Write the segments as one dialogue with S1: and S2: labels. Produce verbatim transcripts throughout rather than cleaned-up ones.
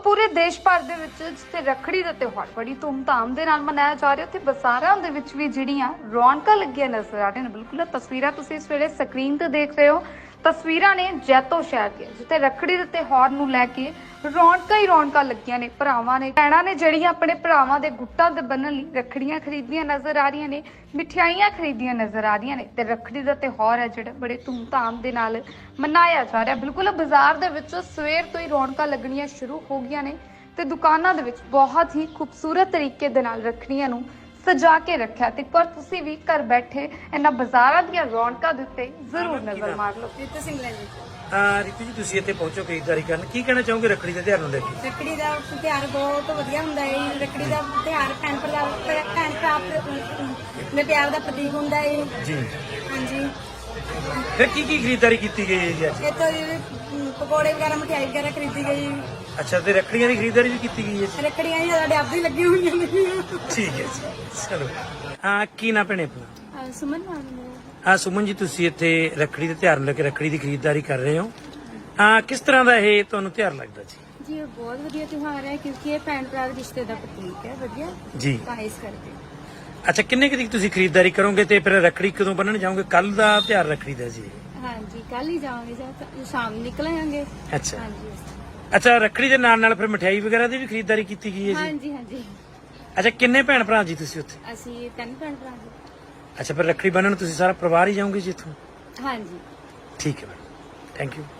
S1: ਪੂਰੇ ਦੇਸ਼ ਭਰ ਦੇ ਵਿੱਚ ਜਿੱਥੇ ਰੱਖੜੀ ਦਾ ਤਿਉਹਾਰ ਬੜੀ ਧੂਮਧਾਮ ਦੇ ਨਾਲ ਮਨਾਇਆ ਜਾ ਰਿਹਾ, ਉੱਥੇ ਬਾਜ਼ਾਰਾਂ ਦੇ ਵਿੱਚ ਵੀ ਜਿਹੜੀਆਂ ਰੌਣਕਾਂ ਲੱਗੀਆਂ ਨਜ਼ਰ ਆ ਰਹੀਆਂ ਨੇ। ਬਿਲਕੁਲ ਇਹ ਤਸਵੀਰਾਂ ਤੁਸੀਂ ਇਸ ਵੇਲੇ ਸਕਰੀਨ ਤੇ ਦੇਖ ਰਹੇ ਹੋ। ਤਸਵੀਰਾਂ ਨੇ ਜੈਤੋ ਸ਼ਹਿਰ ਦੀਆਂ, ਜਿੱਥੇ ਰੱਖੜੀ ਦੇ ਤਿਉਹਾਰ ਨੂੰ ਲੈ ਕੇ ਰੌਣਕਾਂ ਹੀ ਰੌਣਕਾਂ ਲੱਗੀਆਂ ਨੇ। ਭਰਾਵਾਂ ਨੇ ਭੈਣਾਂ ਨੇ ਜਿਹੜੀਆਂ ਆਪਣੇ ਭਰਾਵਾਂ ਦੇ ਗੁੱਟਾਂ ਦੇ ਬੰਨ੍ਹਣ ਲਈ ਰੱਖੜੀਆਂ ਖਰੀਦੀਆਂ ਨਜ਼ਰ ਆ ਰਹੀਆਂ ਨੇ, ਮਿਠਾਈਆਂ ਖਰੀਦੀਆਂ ਨਜ਼ਰ ਆ ਰਹੀਆਂ ਨੇ ਤੇ ਰੱਖੜੀ ਦਾ ਤਿਉਹਾਰ ਹੈ ਜਿਹੜਾ ਬੜੇ ਧੂਮਧਾਮ ਦੇ ਨਾਲ ਮਨਾਇਆ ਜਾ ਰਿਹਾ। ਬਿਲਕੁਲ ਬਾਜ਼ਾਰ ਦੇ ਵਿੱਚ ਸਵੇਰ ਤੋਂ ਹੀ ਰੌਣਕਾਂ ਲੱਗਣੀਆਂ ਸ਼ੁਰੂ ਹੋ ਗਈਆਂ ਨੇ ਤੇ ਦੁਕਾਨਾਂ ਦੇ ਵਿੱਚ ਬਹੁਤ ਹੀ ਖੂਬਸੂਰਤ ਤਰੀਕੇ ਦੇ ਨਾਲ ਰੱਖੜੀਆਂ ਨੂੰ ਸਜਾ ਕੇ ਰੱਖਿਆ। ਤੇ ਪਰ ਤੁਸੀਂ ਵੀ ਘਰ ਬੈਠੇ ਇਹਨਾਂ ਬਾਜ਼ਾਰਾਂ ਦੀਆਂ ਰੌਣਕਾਂ ਦੇ ਉੱਤੇ ਜ਼ਰੂਰ ਨਜ਼ਰ ਮਾਰ ਲਓ।
S2: ਰਿਤੂ ਸਿੰਘ ਜੀ
S3: ਹਾਂ ਰਿਤੂ ਜੀ, ਤੁਸੀਂ ਇੱਥੇ ਪਹੁੰਚੋ ਖਰੀਦਦਾਰੀ ਕਰਨ, ਕੀ ਕਹਿਣਾ ਚਾਹੋਗੇ ਰੱਖੜੀ ਦੇ ਤਿਉਹਾਰ ਨੂੰ ਲੈ ਕੇ?
S2: ਰੱਖੜੀ ਦਾ ਤਿਉਹਾਰ ਬਹੁਤ ਵਧੀਆ ਹੁੰਦਾ ਹੈ। ਰੱਖੜੀ ਦਾ ਤਿਉਹਾਰ ਭੈਣ ਭਰਾ ਭੈਣ ਭਰਾ ਦੇ ਪਿਆਰ ਦਾ ਪ੍ਰਤੀਕ ਹੁੰਦਾ ਹੈ
S3: ਜੀ।
S2: ਹਾਂਜੀ,
S3: ਫਿਰ ਕੀ ਕੀ ਖਰੀਦਦਾਰੀ ਕੀਤੀ ਗਈ ਹੈ ਜੀ ਅੱਜ?
S2: ਇੱਥੋਂ ਜੀ ਪਕੌੜੇ ਵਗੈਰਾ ਮਠਿਆਈ ਵਗੈਰਾ ਖਰੀਦੀ ਗਈ।
S3: ਅੱਛਾ, ਤੇ ਰੱਖੜੀਆਂ ਦੀ ਖਰੀਦਦਾਰੀ ਵੀ ਕੀਤੀ ਗਈ ਹੈ ਜੀ?
S2: ਰੱਖੜੀਆਂ ਹੀ ਸਾਡੇ ਆਪ ਹੀ ਲੱਗੀ ਹੋਈਆਂ ਨੇ।
S3: ਠੀਕ ਹੈ ਜੀ, ਚਲੋ। ਹਾਂ, ਕੀ ਨਾ ਭੈਣੇ ਆਪਣਾ?
S2: ਸੁਮਨ ਨਾਮ
S3: ਹਾਂ ਸੁਮਨ ਜੀ, ਤੁਸੀਂ ਇੱਥੇ ਰੱਖੜੀ ਦੇ ਤਿਉਹਾਰ ਨੂੰ ਲੈ ਕੇ ਰੱਖੜੀ ਦੀ ਖਰੀਦਦਾਰੀ ਕਰ ਰਹੇ ਹੋ। ਹਾਂ, ਕਿਸ ਤਰ੍ਹਾਂ ਦਾ ਇਹ ਤੁਹਾਨੂੰ ਤਿਉਹਾਰ ਲੱਗਦਾ ਜੀ?
S2: ਜੀ ਇਹ ਬਹੁਤ ਵਧੀਆ ਤਿਉਹਾਰ ਹੈ ਕਿਉਂਕਿ ਇਹ ਭੈਣ ਭਰਾ ਦੇ ਰਿਸ਼ਤੇ ਦਾ ਪ੍ਰਤੀਕ ਹੈ। ਵਧੀਆ
S3: ਜੀ,
S2: ਤਾਂ ਇਸ ਕਰਕੇ।
S3: ਅੱਛਾ, ਕਿੰਨੇ ਕੁ ਦੀ ਤੁਸੀਂ ਖਰੀਦਦਾਰੀ ਕਰੋਗੇ ਤੇ ਫਿਰ ਰੱਖੜੀ ਕਦੋਂ ਬੰਨਣ ਜਾਓਗੇ? ਕੱਲ ਦਾ ਤਿਉਹਾਰ ਰੱਖੜੀ ਦਾ ਜੀ?
S2: ਹਾਂਜੀ, ਕੱਲ ਹੀ ਜਾਵਾਂਗੇ ਜਾਂ ਸ਼ਾਮ ਨੂੰ ਨਿਕਲ ਆਵਾਂਗੇ।
S3: ਅੱਛਾ
S2: ਹਾਂਜੀ
S3: ਅੱਛਾ, ਰੱਖੜੀ ਦੇ ਨਾਲ ਨਾਲ ਫਿਰ ਮਠਿਆਈ ਵਗੈਰਾ ਦੀ ਵੀ ਖਰੀਦਦਾਰੀ ਕੀਤੀ ਗਈ ਹੈ ਜੀ?
S2: ਹਾਂਜੀ ਹਾਂਜੀ,
S3: ਅੱਛਾ, ਕਿੰਨੇ ਭੈਣ ਭਰਾ ਜੀ ਤੁਸੀਂ ਉੱਥੇ?
S2: ਅਸੀਂ ਤਿੰਨ ਭੈਣ ਭਰਾ ਜੀ।
S3: ਅੱਛਾ, ਫਿਰ ਰੱਖੜੀ ਬੰਨਣ ਤੁਸੀਂ ਸਾਰਾ ਪਰਿਵਾਰ ਹੀ ਜਾਓਗੇ ਜੀ ਇੱਥੋਂ?
S2: ਹਾਂਜੀ
S3: ਠੀਕ ਹੈ ਮੈਡਮ, ਥੈਂਕ ਯੂ।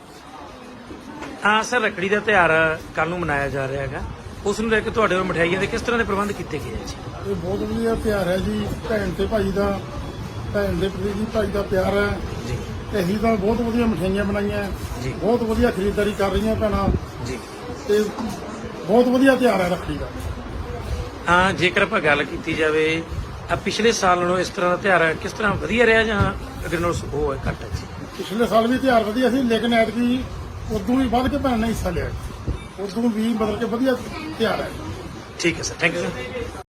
S3: ਹਾਂ ਸਰ, ਰੱਖੜੀ ਦਾ ਤਿਉਹਾਰ ਕੱਲ ਨੂੰ ਮਨਾਇਆ ਜਾ ਰਿਹਾ ਹੈਗਾ, ਉਸ ਨੂੰ ਲੈ ਕੇ ਤੁਹਾਡੇ ਵੱਲੋਂ ਮਠਿਆਈਆਂ ਦੇ ਕਿਸ ਤਰ੍ਹਾਂ ਦੇ ਪ੍ਰਬੰਧ ਕੀਤੇ ਗਏ ਹੈ ਜੀ?
S4: ਇਹ ਬਹੁਤ ਵਧੀਆ ਤਿਉਹਾਰ ਹੈ ਜੀ। ਭੈਣ ਤੇ ਭਾਈ ਦਾ, ਭੈਣ ਦੇ ਪ੍ਰਤੀ ਜੀ ਭਾਈ ਦਾ ਪਿਆਰ ਹੈ
S3: ਜੀ।
S4: ਤੇ ਅਸੀਂ ਤਾਂ ਬਹੁਤ ਵਧੀਆ ਮਠਿਆਈਆਂ ਬਣਾਈਆਂ
S3: ਜੀ।
S4: ਬਹੁਤ ਵਧੀਆ ਖਰੀਦਦਾਰੀ ਕਰ ਰਹੀਆਂ ਭੈਣਾਂ
S3: ਜੀ।
S4: ਤੇ ਬਹੁਤ ਵਧੀਆ ਤਿਉਹਾਰ ਹੈ ਰੱਖੜੀ ਦਾ।
S3: ਹਾਂ, ਜੇਕਰ ਆਪਾਂ ਗੱਲ ਕੀਤੀ ਜਾਵੇ ਆ ਪਿਛਲੇ ਸਾਲ ਨਾਲੋਂ ਇਸ ਤਰ੍ਹਾਂ ਦਾ ਤਿਉਹਾਰ ਕਿਸ ਤਰ੍ਹਾਂ ਵਧੀਆ ਰਿਹਾ ਜਾਂ ਅਗਰ ਨਾਲ ਉਹ ਹੈ ਘੱਟ ਹੈ ਜੀ?
S4: ਪਿਛਲੇ ਸਾਲ ਵੀ ਤਿਉਹਾਰ ਵਧੀਆ ਸੀ, ਲੇਕਿਨ ਐਤਕੀ ਉਦੋਂ ਵੀ ਵੱਧ ਕੇ ਭੈਣ ਨੇ ਹਿੱਸਾ ਲਿਆ। ਉਦੋਂ ਵੀ ਮਤਲਬ ਕਿ ਵਧੀਆ ਤਿਉਹਾਰ ਹੈ।
S3: ਠੀਕ ਹੈ ਸਰ, ਥੈਂਕ ਯੂ ਸਰ।